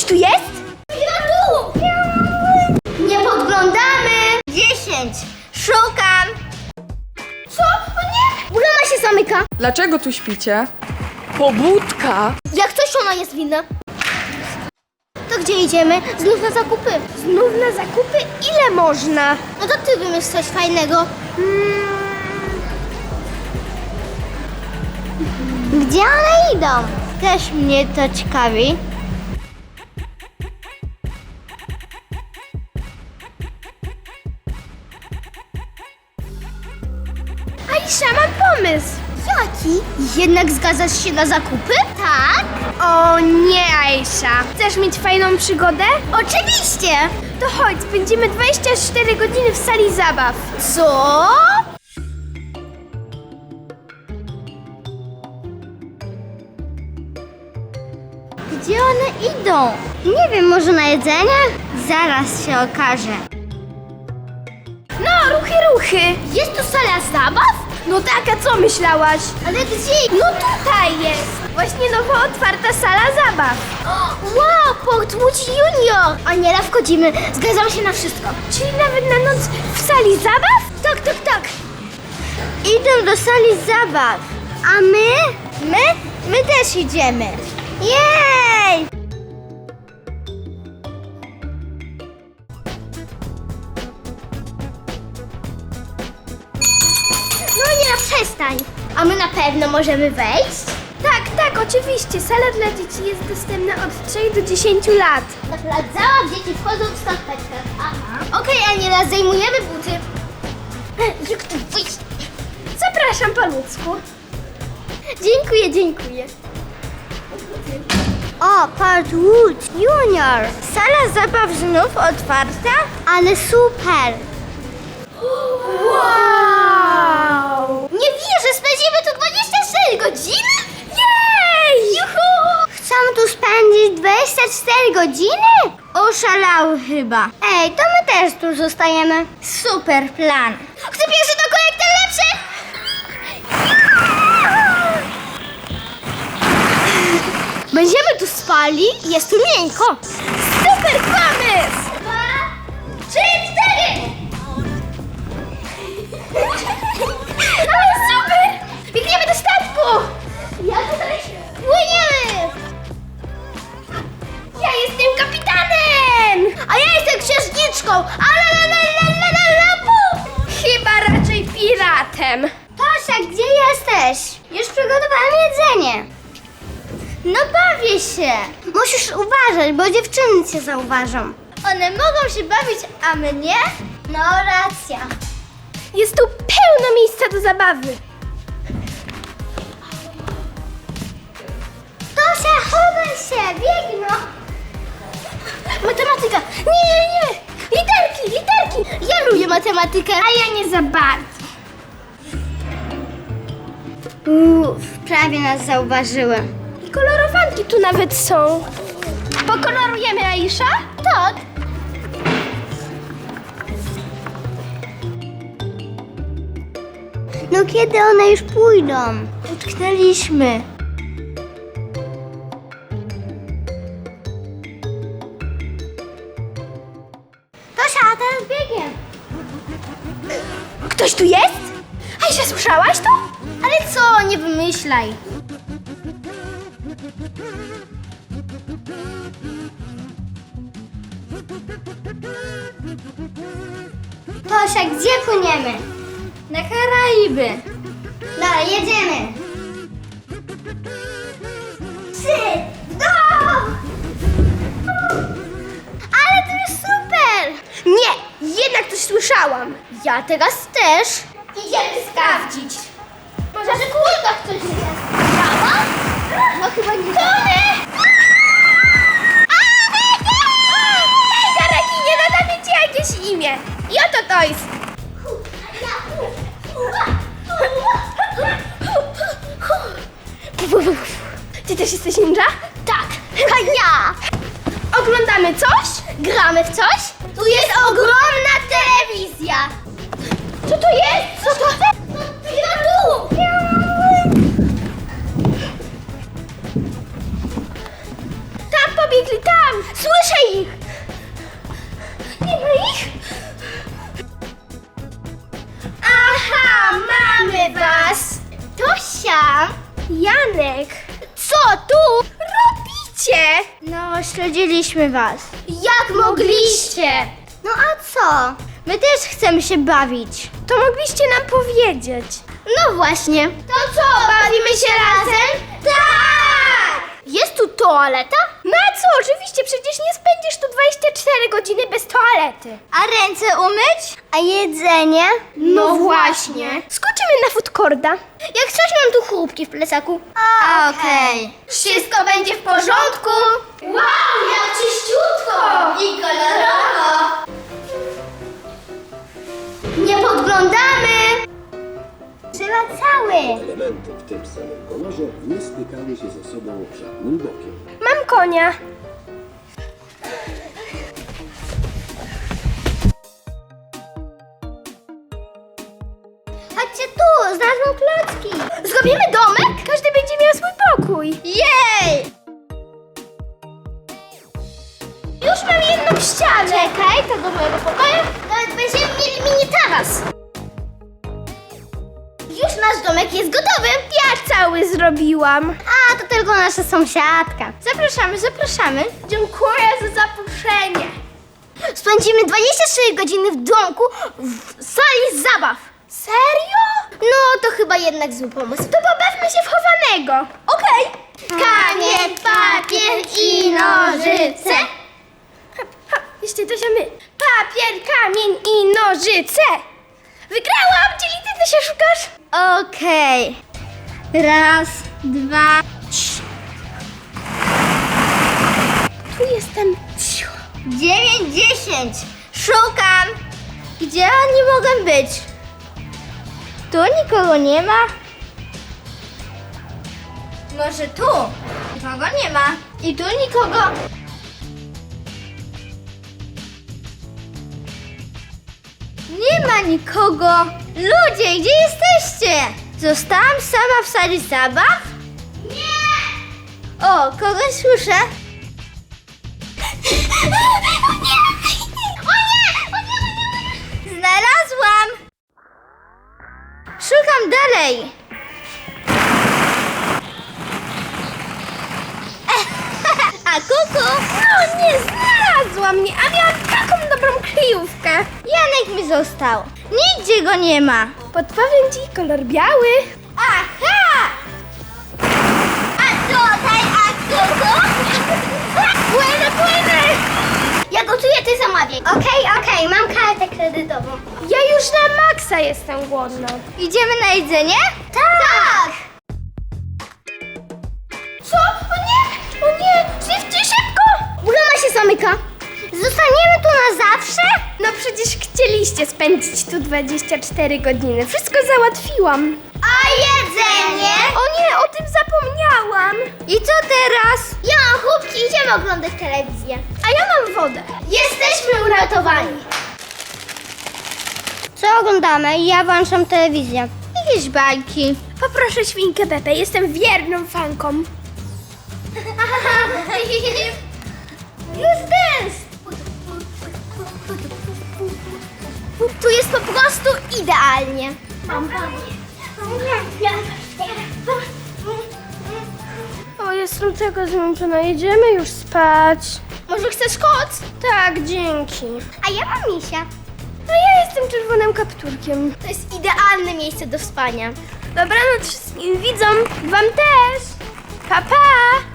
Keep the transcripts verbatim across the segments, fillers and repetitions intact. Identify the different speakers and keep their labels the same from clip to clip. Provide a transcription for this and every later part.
Speaker 1: Ktoś tu jest?
Speaker 2: Ja tu! Nie podglądamy! Dziesięć. Szukam. Co? O nie! Brama się zamyka.
Speaker 1: Dlaczego tu śpicie? Pobudka!
Speaker 2: Jak coś ona jest winna. To gdzie idziemy? Znów na zakupy.
Speaker 1: Znów na zakupy? Ile można?
Speaker 2: No to ty wymyśl coś fajnego. Hmm. Gdzie one idą? Też mnie to ciekawi.
Speaker 1: Aisza, mam pomysł!
Speaker 2: Jaki? Jednak zgadzasz się na zakupy? Tak.
Speaker 1: O nie, Aisza! Chcesz mieć fajną przygodę?
Speaker 2: Oczywiście.
Speaker 1: To chodź, spędzimy dwadzieścia cztery godziny w sali zabaw.
Speaker 2: Co? Gdzie one idą? Nie wiem, może na jedzenie? Zaraz się okaże.
Speaker 1: No, ruchy, ruchy!
Speaker 2: Jest tu sala zabaw?
Speaker 1: No tak, a co myślałaś?
Speaker 2: Ale gdzie?
Speaker 1: No tutaj jest! Właśnie nowo otwarta sala zabaw.
Speaker 2: Wow, Portwood Junior! Aniela, wchodzimy. Zgadzam się na wszystko.
Speaker 1: Czyli nawet na noc w sali zabaw?
Speaker 2: Tak, tak, tak. Idę do sali zabaw. A my? My? My też idziemy. Jej! No nie, przestań. A my na pewno możemy wejść?
Speaker 1: Tak, tak, oczywiście. Sala dla dzieci jest dostępna od trzech do dziesięciu lat.
Speaker 2: Na plac zabaw dzieci wchodzą w skarpetkach. Aha. Okej, Aniela, zajmujemy buty. Jak tu wyjść?
Speaker 1: Zapraszam po ludzku.
Speaker 2: Dziękuję, dziękuję. O, Portwood Junior. Sala zabaw znów otwarta? Ale super.
Speaker 1: Wow!
Speaker 2: Nie wierzę, spędzimy tu dwadzieścia cztery godziny?
Speaker 1: Jej!
Speaker 2: Juhu! Chcą tu spędzić dwadzieścia cztery godziny? Oszalały chyba. Ej, to my też tu zostajemy. Super plan. Kto pierwszy do kolek, ten lepszy!
Speaker 1: Będziemy tu spali i jest tu miękko. Super pomysł!
Speaker 2: Dwa, trzy, cztery!
Speaker 1: Ale super! Biegniemy do statku!
Speaker 2: Ja tutaj płyniemy!
Speaker 1: Ja jestem kapitanem!
Speaker 2: A ja jestem księżniczką! Ale la, la, la, la, la, la, pu!
Speaker 1: Chyba raczej piratem.
Speaker 2: Tosia, gdzie jesteś? Już przygotowałam jedzenie. No bawię się. Musisz uważać, bo dziewczyny cię zauważą. One mogą się bawić, a my nie? No racja.
Speaker 1: Jest tu pełno miejsca do zabawy.
Speaker 2: Tosia, chowaj się, biegno.
Speaker 1: Matematyka. Nie, nie, nie. Literki, literki.
Speaker 2: Ja lubię matematykę.
Speaker 1: A ja nie za bardzo.
Speaker 2: Uff, prawie nas zauważyły.
Speaker 1: I kolorowanki tu nawet są. Pokolorujemy, Aisza?
Speaker 2: Tak. No kiedy one już pójdą? Utknęliśmy. Tosia, a teraz biegiem.
Speaker 1: Ktoś tu jest? Aisza, słyszałaś to?
Speaker 2: Ale co, nie wymyślaj. Tosia, gdzie płyniemy? Na Karaiby. Dobra, jedziemy. Trzy, go! Ale to jest super!
Speaker 1: Nie, jednak coś słyszałam.
Speaker 2: Ja teraz też. Idziemy sprawdzić. Może w kulkach coś jest. Działa? No chyba nie. Tony!
Speaker 1: Hej, Karakinie, nadamy ci jakieś imię. I oto to jest. Ty też jesteś ninja?
Speaker 2: Tak, a ja.
Speaker 1: Oglądamy coś?
Speaker 2: Gramy w coś? Tu jest ogromna telewizja.
Speaker 1: Co to jest?
Speaker 2: Co to? Ja tu.
Speaker 1: Tam pobiegli, tam! Słyszę ich! Nie ma ich? Aha, mamy was! Tosia! Janek! Co tu robicie? No, śledziliśmy was. Jak mogliście?
Speaker 2: No a co?
Speaker 1: My też chcemy się bawić. To mogliście nam powiedzieć. No właśnie. To co, bawimy się razem? Tak! Jest tu toaleta? Na co? Oczywiście, przecież nie spędzisz tu dwadzieścia cztery godziny bez toalety.
Speaker 2: A ręce umyć? A jedzenie?
Speaker 1: No właśnie. Skoczymy na food courta. Jak coś, mam tu chrupki w plecaku.
Speaker 2: A, okej.
Speaker 1: Wszystko będzie w porządku. Wow, jak czyściutko.
Speaker 2: I kolorowo. Nie podglądamy. Trzeba cały.
Speaker 3: Elementy w tym samym kolorze nie stykały się ze sobą żadnym bokiem.
Speaker 1: Mam konia.
Speaker 2: Chodźcie tu, znalazłam klocki.
Speaker 1: Zrobimy domek? Każdy będzie miał swój pokój. Jej! Już mam jedną ścianę. Czekaj, to do mojego pokoju.
Speaker 2: Nawet będziemy mieli mini taras.
Speaker 1: Już nasz domek jest gotowy. Ja cały zrobiłam.
Speaker 2: A, to tylko nasza sąsiadka.
Speaker 1: Zapraszamy, zapraszamy. Dziękuję za zaproszenie.
Speaker 2: Spędzimy dwadzieścia cztery godziny w domku w sali zabaw.
Speaker 1: Serio?
Speaker 2: No, to chyba jednak zły pomysł.
Speaker 1: To pobawmy się w chowanego. Okej.
Speaker 2: Kamień, papier i nożyce.
Speaker 1: Ha, ha, jeszcze to się my. Papier, kamień i nożyce. Wygrałam! Czyli ty, ty się szukasz?
Speaker 2: Okej. Raz, dwa, trzy.
Speaker 1: Tu jestem. Cicho.
Speaker 2: Dziewięć, dziesięć. Szukam. Gdzie oni mogą być? Tu nikogo nie ma. Może tu? Nikogo nie ma. I tu nikogo. Nie ma nikogo. Ludzie, gdzie jesteście? Zostałam sama w sali zabaw? Nie! O, kogoś słyszę. O nie! O nie! O nie! O nie! Znalazłam! Szukam dalej. A kuku?
Speaker 1: No nie znalazła mnie, a miałam taką dobrą kryjówkę.
Speaker 2: Janek mi został. Nigdzie go nie ma.
Speaker 1: Podpowiem ci kolor biały.
Speaker 2: Aha! A tutaj, a kuku?
Speaker 1: Płynę, płynę!
Speaker 2: Ja gotuję, ty zamawiaj. Okej, okej, mam kartę kredytową.
Speaker 1: Ja już na maksa jestem głodna.
Speaker 2: Idziemy na jedzenie? Tak!
Speaker 1: Co? O nie! O nie! Szybciej, szybko!
Speaker 2: Brama się zamyka. Zostaniemy tu na zawsze?
Speaker 1: No przecież chcieliście spędzić tu dwadzieścia cztery godziny. Wszystko załatwiłam.
Speaker 2: A jedzenie?
Speaker 1: O nie, o tym zapomniałam.
Speaker 2: I co teraz? Ja mam chłopki, idziemy oglądać telewizję.
Speaker 1: A ja mam wodę. Jesteśmy uratowani.
Speaker 2: Co oglądamy? Ja włączam telewizję. Jakieś bajki.
Speaker 1: Poproszę świnkę Pepę, jestem wierną fanką.
Speaker 2: Już dance!
Speaker 1: Tu jest po prostu idealnie. O, jestem tego zmęczona. Jedziemy już spać. Może chcesz koc? Tak, dzięki.
Speaker 2: A ja mam misia.
Speaker 1: No ja jestem czerwonym kapturkiem. To jest idealne miejsce do spania. Dobranoc wszystkim widzom, wam też. Pa, pa!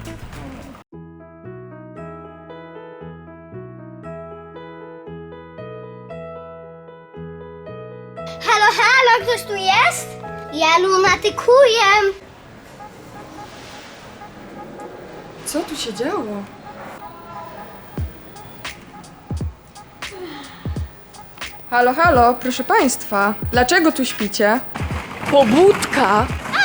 Speaker 2: Halo, halo, ktoś tu jest? Ja lunatykuję.
Speaker 4: Co tu się działo? Halo, halo, proszę państwa. Dlaczego tu śpicie? Pobudka!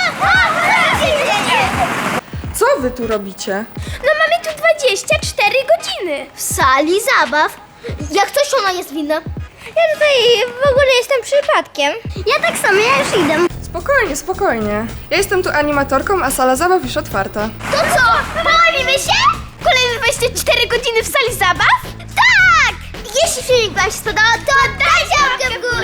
Speaker 4: Co wy tu robicie?
Speaker 1: No mamy tu dwadzieścia cztery godziny.
Speaker 2: W sali zabaw. Jak coś ona jest winna? Ja tutaj w ogóle jestem przypadkiem. Ja tak samo, ja już idę.
Speaker 4: Spokojnie, spokojnie. Ja jestem tu animatorką, a sala zabaw już otwarta.
Speaker 2: To co? Bawimy się?
Speaker 1: Kolejne dwadzieścia cztery godziny w sali zabaw? Tak! Jeśli filmik wam się spodobał, to dajcie łapkę w górę!